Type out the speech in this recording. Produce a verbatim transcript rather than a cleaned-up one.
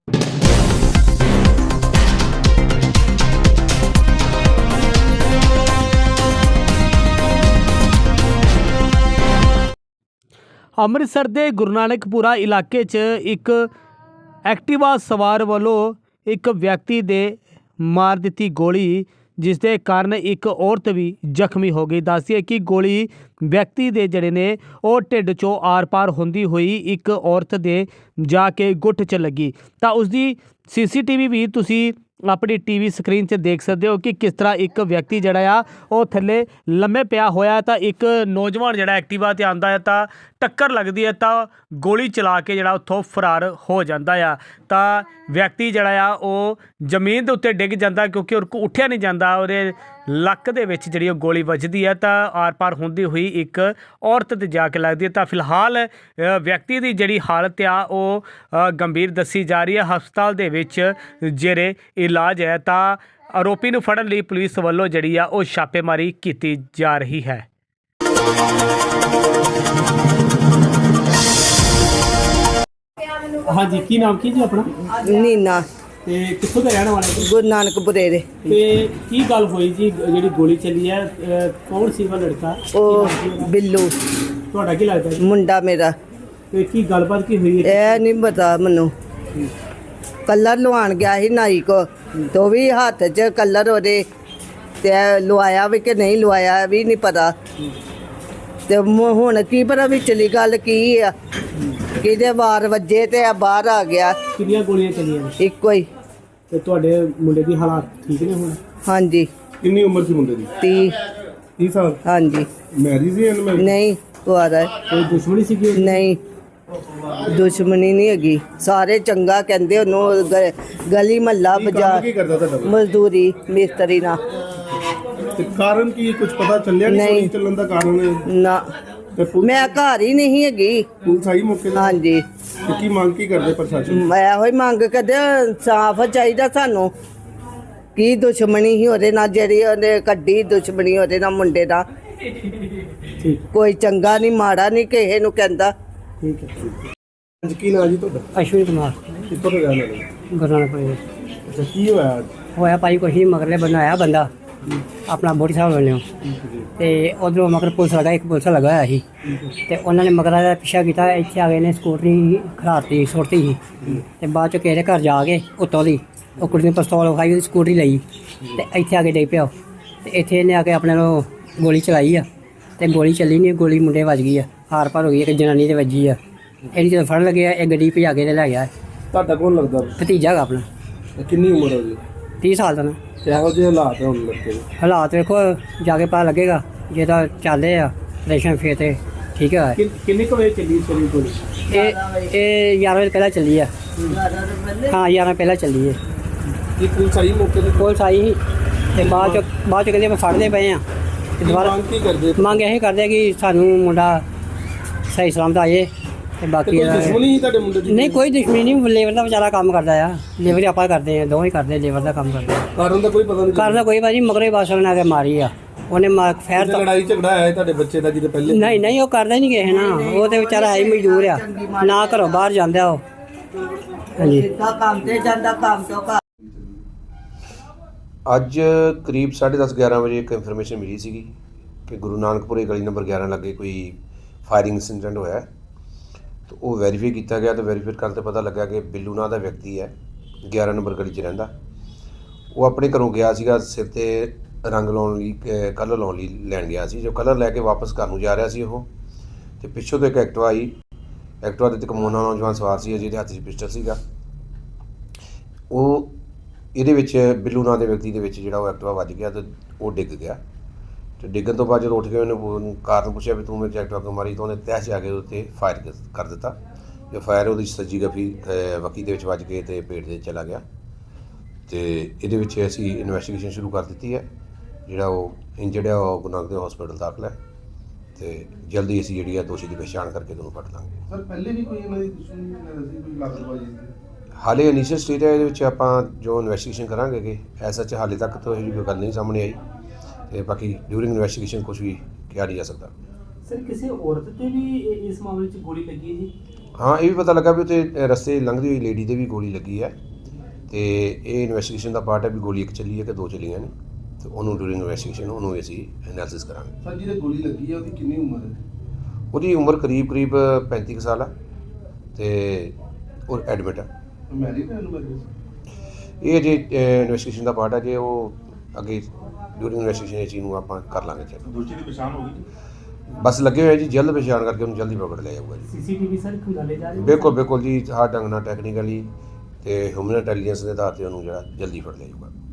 ਅੰਮ੍ਰਿਤਸਰ ਦੇ ਗੁਰੂ ਨਾਨਕਪੁਰਾ ਇਲਾਕੇ 'ਚ ਇੱਕ ਐਕਟਿਵਾ ਸਵਾਰ ਵੱਲੋਂ ਇੱਕ ਵਿਅਕਤੀ ਦੇ ਮਾਰ ਦਿੱਤੀ ਗੋਲੀ, ਜਿਸ ਦੇ ਕਾਰਨ ਇੱਕ ਔਰਤ ਵੀ ਜ਼ਖਮੀ ਹੋ ਗਈ। ਦੱਸਿਆ ਕਿ ਗੋਲੀ ਵਿਅਕਤੀ ਦੇ ਜਿਹੜੇ ਨੇ ਉਹ ਢਿੱਡ 'ਚੋਂ ਆਰ ਪਾਰ ਹੁੰਦੀ ਹੋਈ ਇੱਕ ਔਰਤ ਦੇ ਜਾ ਕੇ ਗੁੱਟ 'ਚ ਲੱਗੀ। ਤਾਂ ਉਸਦੀ ਸੀ ਸੀ ਟੀ ਵੀ ਵੀ ਤੁਸੀਂ अपनी टीवी स्क्रीन से देख सकते हो कि किस तरह एक व्यक्ति जड़ा आ वो थले लम्मे पिया होया तो एक नौजवान जड़ा एक्टिवा ते आंदा है तो टक्कर लगती है तो गोली चला के जड़ा उत्थों फरार हो जाता है। तो व्यक्ति जड़ा आ वो जमीन के उत्ते डिग जाता क्योंकि उनको उठिया नहीं जाता और लक दे विच जिहड़ी गोली वजदी है तो आर पार होंदी हुई एक औरत ते जाके लगती है। तो फिलहाल व्यक्ति की जिहड़ी हालत आ वो गंभीर दसी जा रही है, हस्पताल दे विच जेरे इलाज है। तो आरोपी नूं फड़न लई पुलिस वल्लों जिहड़ी आ वो छापेमारी की जा रही है। हाँ जी, की नाम की जी अपना? नीना ਤੇ ਕਿੱਥੋਂ ਦਾ ਰਹਿਣ ਵਾਲੇ ਜੀ? ਗੁਰੂ ਨਾਨਕਪੁਰੇ ਦੇ। ਤੇ ਕੀ ਗੱਲ ਹੋਈ ਜੀ ਜਿਹੜੀ ਗੋਲੀ ਚੱਲੀ ਹੈ? ਕੌਣ ਸੀ ਉਹ ਲੜਕਾ? ਉਹ ਬਿੱਲੂ ਤੁਹਾਡਾ ਕੀ ਲੱਗਦਾ ਜੀ? ਮੁੰਡਾ ਮੇਰਾ। ਤੇ ਕੀ ਗੱਲਬਾਤ ਕੀ ਹੋਈ ਹੈ? ਇਹ ਨਹੀਂ ਪਤਾ ਮੈਨੂੰ। ਕਲਰ ਲਵਾਉਣ ਗਿਆ ਸੀ ਨਾਈ ਕੋ, ਤੇ ਉਹ ਵੀ ਹੱਥ 'ਚ ਕਲਰ ਉਹਦੇ ਤੇ ਲਵਾਇਆ ਵੀ ਕਿ ਨਹੀਂ ਲਵਾਇਆ ਵੀ ਨਹੀਂ ਪਤਾ। ਤੇ ਹੁਣ ਕੀ ਪਤਾ ਵਿਚਲੀ ਗੱਲ ਕੀ ਆ, ਕਿਹਦੇ ਵਾਰ ਵੱਜੇ ਤੇ ਆ ਬਾਹਰ ਆ ਗਿਆ। ਕਿੰਨੀਆਂ ਗੋਲੀਆਂ ਚੱਲੀਆਂ ਨੇ? ਇੱਕੋ ਹੀ। ਤੇ ਤੁਹਾਡੇ ਮੁੰਡੇ ਦੀ ਹਾਲਾਤ ਠੀਕ ਨੇ ਹੁਣ? ਹਾਂਜੀ। ਕਿੰਨੀ ਉਮਰ ਸੀ ਮੁੰਡੇ ਦੀ? ਤੀਹ। ਤੀਹ ਸਾਲ? ਹਾਂਜੀ। ਮੈਰਿਜ ਸੀ ਇਹਨਾਂ ਨਾਲ? ਨਹੀਂ, ਕੁਆਰਾ। ਕੋਈ ਦੁਸ਼ਮਣੀ ਸੀਗੀ? ਨਹੀਂ, ਦੁਸ਼ਮਣੀ ਨਹੀਂ ਹੈਗੀ। ਸਾਰੇ ਚੰਗਾ ਕਹਿੰਦੇ ਉਹਨੂੰ। ਗ- ਗਲੀ ਮਹੱਲਾ ਬਾਜ਼ਾਰ ਕੀ ਕਰਦਾ ਤੁਹਾਡਾ? ਮਜ਼ਦੂਰੀ ਮਿਸਤਰੀ ਨਾਲ। ਤੇ ਕਾਰਨ ਕੀ ਕੁਝ ਪਤਾ ਚੱਲਿਆ? ਨਹੀਂ ਗੋਲੀ ਚੱਲਣ ਦਾ ਕਾਰਨ? ਨਾ, ਤੇ ਪੁਲਿਸ ਮੈਂ ਘਰ ਹੀ ਨਹੀਂ ਹੈਗੀ। ਪੁਲਿਸ ਆਈ ਮੌਕੇ ਤੇ? ਹਾਂਜੀ। ਤੇ ਕੀ ਮੰਗ ਕੀ ਕਰਦੇ ਪ੍ਰਸ਼ਾਸਨ? ਮੈਂ ਇਹੋ ਹੀ ਮੰਗ ਕਰਦੇ, ਸਾਫ਼ ਚਾਹੀਦਾ ਸਾਨੂੰ। ਕੀ ਦੁਸ਼ਮਣੀ ਸੀ ਉਹਦੇ ਨਾਲ ਜਿਹੜੀ ਉਹਨੇ ਕੱਢੀ ਦੁਸ਼ਮਣੀ ਉਹਦੇ ਨਾਲ ਮੁੰਡੇ ਨਾਲ? ਠੀਕ, ਕੋਈ ਚੰਗਾ ਨਹੀਂ ਮਾੜਾ ਨਹੀਂ ਕਿਸੇ ਨੂੰ ਕਹਿੰਦਾ। ਠੀਕ ਹੈ। ਅੱਜ ਕੀ ਨਾਂ ਜੀ ਤੁਹਾਡਾ? ਅਸ਼ਵਨੀ ਕੁਮਾਰ, ਕਿੱਥੋਂ ਦੇ ਰਹਿਣ ਵਾਲੇ? ਗੁਰੂ ਨਾਨਕਪੁਰੇ। ਅੱਛਾ, ਕੀ ਹੋਇਆ ਅੱਜ? ਹੋਇਆ ਭਾਈ ਕੁਛ ਨਹੀਂ, ਮਗਰਲੇ ਬਣਾਇਆ ਬੰਦਾ ਆਪਣਾ ਬੋਟੀ ਸਾਹਿਬ ਵੱਲੋਂ, ਤੇ ਉਧਰੋਂ ਮਗਰ ਪੁਲਿਸ ਲਗਾ, ਇੱਕ ਪੁਲਿਸ ਲਗਾ ਹੋਇਆ ਸੀ, ਤੇ ਉਹਨਾਂ ਨੇ ਮਗਰਾਂ ਦਾ ਪਿੱਛਾ ਕੀਤਾ। ਇੱਥੇ ਆ ਗਏ ਨੇ, ਸਕੂਟਰੀ ਖੜਾਤੀ ਸੁੱਟਤੀ ਸੀ, ਤੇ ਬਾਅਦ 'ਚ ਕਿਸੇ ਦੇ ਘਰ ਜਾ ਕੇ ਉੱਤੋਂ ਦੀ ਉਹ ਕੁੜੀ ਨੇ ਪਿਸਤੌਲ ਵਿਖਾਈ, ਉਹਦੀ ਸਕੂਟਰੀ ਲਈ, ਤੇ ਇੱਥੇ ਆ ਕੇ ਡਿੱਗ ਪਿਆ। ਤੇ ਇੱਥੇ ਇਹਨੇ ਆ ਕੇ ਆਪਣੇ ਨੂੰ ਗੋਲੀ ਚਲਾਈ ਆ, ਤੇ ਗੋਲੀ ਚੱਲੀ ਨਹੀਂ, ਗੋਲੀ ਮੁੰਡੇ ਵੱਜ ਗਈ ਆ, ਹਾਰ ਪਾਰ ਹੋ ਗਈ, ਇੱਕ ਜਨਾਨੀ ਤੇ ਵੱਜੀ ਆ। ਇਹਦੀ ਜਦੋਂ ਫੜਨ ਲੱਗੇ ਇਹ ਗੱਡੀ ਭਜਾ ਕੇ ਤੇ ਲੈ ਗਿਆ। ਤੁਹਾਡਾ ਕੌਣ ਲੱਗਦਾ? ਭਤੀਜਾ ਹੈਗਾ ਆਪਣਾ। ਤੇ ਕਿੰਨੀ ਉਮਰ ਹੋ ਗਈ? ਤੀਹ ਸਾਲ ਦਾ ਨਾ। ਤੇ ਇਹੋ ਜਿਹੇ ਹਾਲਾਤ ਹੁਣ ਲੱਗੇ ਨੇ? ਹਾਲਾਤ ਵੇਖੋ, ਜਾ ਕੇ ਪਤਾ ਲੱਗੇਗਾ। ਜੇ ਤਾਂ ਚੱਲਦੇ ਆ ਰੇਸ਼ਨ ਫੇਰ ਤੇ ਠੀਕ ਹੈ। ਕਿੰਨੇ ਕੁ ਵਜੇ ਚੱਲੀ ਸੀ ਗੋਲੀ? ਇਹ ਇਹ ਗਿਆਰਾਂ ਵਜੇ ਪਹਿਲਾਂ ਚੱਲੀ ਆ। ਹਾਂ, ਗਿਆਰਾਂ ਪਹਿਲਾਂ ਚੱਲੀ ਹੈ। ਕੀ ਪੁਲਿਸ ਆਈ ਮੌਕੇ ਤੇ? ਪੁਲਿਸ ਆਈ ਸੀ, ਤੇ ਬਾਅਦ ਚ ਬਾਅਦ ਚ ਕਹਿੰਦੇ ਆਪਾਂ ਫੜਦੇ ਪਏ ਆ। ਤੇ ਦੁਬਾਰਾ ਮੰਗ ਕੀ ਕਰਦੇ? ਮੰਗ ਇਹ ਕਰਦੇ ਕਿ ਸਾਨੂੰ ਮੁੰਡਾ ਸਹੀ ਸਲਾਮਤ ਆ ਜਾਏ। ਤੇ ਤੇ ਬਾਕੀ ਕੋਈ ਦੁਸ਼ਮਣੀ ਸੀ ਤੁਹਾਡੇ ਮੁੰਡੇ ਦੀ? ਨਹੀਂ, ਕੋਈ ਦੁਸ਼ਮਣੀ ਨਹੀਂ। ਲੇਬਰ ਦਾ ਵਿਚਾਰਾ ਕੰਮ ਕਰਦਾ ਆ। ਲੇਬਰ ਆਪਾਂ ਕਰਦੇ ਆ, ਦੋਵੇਂ ਕਰਦੇ, ਲੇਬਰ ਦਾ ਕੰਮ ਕਰਦੇ ਆ। ਕਾਰਨ ਦਾ ਕੋਈ ਪਤਾ ਨਹੀਂ? ਕਰਦਾ ਕੋਈ ਬਾਜੀ, ਮਗਰੇ ਬਾਸਲ ਨੇ ਆ ਕੇ ਮਾਰੀ ਆ ਉਹਨੇ। ਮਾ ਫੈਰ ਤੇ ਲੜਾਈ ਝਗੜਾ ਆਇਆ ਤੁਹਾਡੇ ਬੱਚੇ ਦਾ ਕਿਤੇ ਪਹਿਲੇ? ਨਹੀਂ ਨਹੀਂ, ਉਹ ਕਰਦਾ ਹੀ ਨਹੀਂ ਕਿਸੇ ਨਾ। ਉਹ ਤੇ ਵਿਚਾਰਾ ਹੈ ਹੀ ਮਜ਼ਦੂਰ ਆ, ਨਾ ਘਰੋਂ ਬਾਹਰ ਜਾਂਦਾ ਉਹ। ਹਾਂਜੀ। ਕੰਮ ਤੇ ਜਾਂਦਾ, ਕੰਮ ਤੋਂ ਘਰ। ਅੱਜ ਕਰੀਬ ਸਾਢੇ ਦਸ ਗਿਆਰਾਂ ਵਜੇ ਇੱਕ ਇਨਫੋਰਮੇਸ਼ਨ ਮਿਲੀ ਸੀਗੀ ਕਿ ਗੁਰੂ ਨਾਨਕਪੁਰੇ ਗਲੀ ਨੰਬਰ ਗਿਆਰਾਂ ਲੱਗੇ ਕੋਈ ਫਾਇਰਿੰਗ ਇੰਸੀਡੈਂਟ ਹੋਇਆ। ਤਾਂ ਉਹ ਵੈਰੀਫਾਈ ਕੀਤਾ ਗਿਆ, ਤਾਂ ਵੈਰੀਫਾਈ ਕਰਨ 'ਤੇ ਪਤਾ ਲੱਗਾ ਕਿ ਬਿੱਲੂ ਨਾਂ ਦਾ ਵਿਅਕਤੀ ਹੈ, ਗਿਆਰਾਂ ਨੰਬਰ ਗਲੀ 'ਚ ਰਹਿੰਦਾ। ਉਹ ਆਪਣੇ ਘਰੋਂ ਗਿਆ ਸੀਗਾ ਸਿਰ 'ਤੇ ਰੰਗ ਲਾਉਣ ਲਈ, ਕਲਰ ਲਾਉਣ ਲਈ ਲੈਣ ਗਿਆ ਸੀ। ਜੋ ਕਲਰ ਲੈ ਕੇ ਵਾਪਸ ਘਰ ਨੂੰ ਜਾ ਰਿਹਾ ਸੀ ਉਹ, ਅਤੇ ਪਿੱਛੋਂ ਤੋਂ ਇੱਕ ਐਕਟਿਵਾ ਆਈ। ਐਕਟਿਵਾ 'ਤੇ ਇੱਕ ਮੋਨਾ ਨੌਜਵਾਨ ਸਵਾਰ ਸੀ ਜਿਹਦੇ ਹੱਥ 'ਚ ਪਿਸਟਲ ਸੀਗਾ। ਉਹ ਇਹਦੇ ਵਿੱਚ ਬਿੱਲੂ ਨਾਂ ਦੇ ਵਿਅਕਤੀ ਦੇ ਵਿੱਚ ਜਿਹੜਾ ਉਹ ਐਕਟਿਵਾ ਵੱਜ ਗਿਆ ਅਤੇ ਉਹ ਡਿੱਗ ਗਿਆ। ਅਤੇ ਡਿੱਗਣ ਤੋਂ ਬਾਅਦ ਜਦੋਂ ਉੱਠ ਕੇ ਉਹਨੇ ਕਾਰਨ ਪੁੱਛਿਆ ਵੀ ਤੂੰ ਮੇਰੇ 'ਚ ਐਕਟਿਵਾ ਕਿਉਂ ਮਾਰੀ, ਤਾਂ ਉਹਨੇ ਤਹਿ 'ਚ ਆ ਕੇ ਉਹਦੇ 'ਤੇ ਫਾਇਰ ਕਰ ਦਿੱਤਾ। ਜੋ ਫਾਇਰ ਉਹਦੀ ਸੱਜੀ ਗਫੀ ਵਕੀ ਦੇ ਵਿੱਚ ਵੱਜ ਕੇ ਅਤੇ ਪੇਟ ਦੇ ਚਲਾ ਗਿਆ। ਅਤੇ ਇਹਦੇ ਵਿੱਚ ਅਸੀਂ ਇਨਵੈਸਟੀਗੇਸ਼ਨ ਸ਼ੁਰੂ ਕਰ ਦਿੱਤੀ ਹੈ। ਜਿਹੜਾ ਉਹ ਇੰਜਰਡ ਹੈ ਉਹ ਗੁਰੂ ਨਾਨਕ ਦੇਵ ਹਸਪੀਟਲ ਦਾਖਲ ਹੈ, ਅਤੇ ਜਲਦੀ ਅਸੀਂ ਜਿਹੜੀ ਹੈ ਦੋਸ਼ੀ ਦੀ ਪਛਾਣ ਕਰਕੇ ਤੁਹਾਨੂੰ ਫੜ ਲਾਂਗੇ। ਸਰ, ਪਹਿਲੇ ਵੀ ਕੋਈ ਇਹਨਾਂ ਦੀ ਦੁਸ਼ਮਣੀ ਸੀ, ਕੋਈ ਲਾਗਤਬਾਜ਼ੀ ਸੀ? ਹਾਲੇ ਇਨੀਸ਼ੀਅਲ ਸਟੇਜ ਹੈ, ਇਹਦੇ ਵਿੱਚ ਆਪਾਂ ਜੋ ਇਨਵੈਸਟੀਗੇਸ਼ਨ ਕਰਾਂਗੇ ਕਿ ਐਸਾ 'ਚ ਹਾਲੇ ਤੱਕ ਤਾਂ ਇਹੋ ਕੋਈ ਗੱਲ ਨਹੀਂ ਸਾਹਮਣੇ ਆਈ, ਅਤੇ ਬਾਕੀ ਡਿਊਰਿੰਗ ਇਨਵੈਸਟੀਗੇਸ਼ਨ ਕੁਛ ਵੀ ਕਿਹਾ ਨਹੀਂ ਜਾ ਸਕਦਾ। ਸਰ, ਕਿਸੇ ਔਰਤ ਤੇ ਵੀ ਇਸ ਮਾਮਲੇ 'ਚ ਗੋਲੀ ਲੱਗੀ ਜੀ? ਹਾਂ ਇਹ ਵੀ ਪਤਾ ਲੱਗਾ ਵੀ ਉੱਥੇ ਰਸਤੇ ਲੰਘਦੀ ਹੋਈ ਲੇਡੀ ਦੇ ਵੀ ਗੋਲੀ ਲੱਗੀ ਹੈ ਤੇ ਇਹ ਇਨਵੈਸਟੀਗੇਸ਼ਨ ਦਾ ਪਾਰਟ ਹੈ ਵੀ ਗੋਲੀ ਇੱਕ ਚੱਲੀ ਹੈ ਕਿ ਦੋ ਚੱਲੀਆਂ ਨੇ ਤੇ ਉਹਨੂੰ ਡੂਰਿੰਗ ਇਨਵੈਸਟੀਗੇਸ਼ਨ ਉਹਨੂੰ ਅਸੀਂ ਐਨਾਲਿਸਿਸ ਕਰਾਂਗੇ। ਸਰ ਜਿਹਦੇ ਗੋਲੀ ਲੱਗੀ ਹੈ ਉਹਦੀ ਕਿੰਨੀ ਉਮਰ ਹੈ? ਉਹਦੀ ਉਮਰ ਕਰੀਬ ਕਰੀਬ ਪੈਂਤੀ ਕੁ ਸਾਲ ਆ ਤੇ ਉਹ ਐਡਮਿਟ ਆ। ਮੈਰਿਡ ਹੈ ਅਨਮੈਰਿਡ? ਇਹ ਜੇ ਇਨਵੈਸਟੀਗੇਸ਼ਨ ਦਾ ਪਾਰਟ ਹੈ ਜੇ ਉਹ ਅੱਗੇ ਡੂਰਿੰਗ ਇਨਵੈਸਟੀਗੇਸ਼ਨ ਇਹ ਚੀਜ਼ ਨੂੰ ਆਪਾਂ ਕਰ ਲਾਂਗੇ ਚੈੱਕ। ਦੋਸ਼ੀ ਦੀ ਪਛਾਣ ਹੋ ਗਈ? ਬਸ ਲੱਗੇ ਹੋਏ ਜੀ ਜਲਦ ਪਛਾਣ ਕਰਕੇ ਉਹਨੂੰ ਜਲਦੀ ਪਕੜ ਲਿਆ ਜਾਊਗਾ ਜੀ। ਸੀਸੀਟੀਵੀ ਸਰ ਖੰਗਾਲੇ ਜਾ ਰਹੇ ਬਿਲਕੁਲ ਬਿਲਕੁਲ ਜੀ ਹਰ ਢੰਗ ਨਾਲ ਟੈਕਨੀਕਲੀ ਤੇ ਹਿਊਮਨ ਇੰਟੈਲੀਜੈਂਸ ਦੇ ਆਧਾਰ ਤੇ ਉਹਨੂੰ ਜਿਹੜਾ ਜਲਦੀ ਫੜ ਲਿਆ ਜਾਊਗਾ।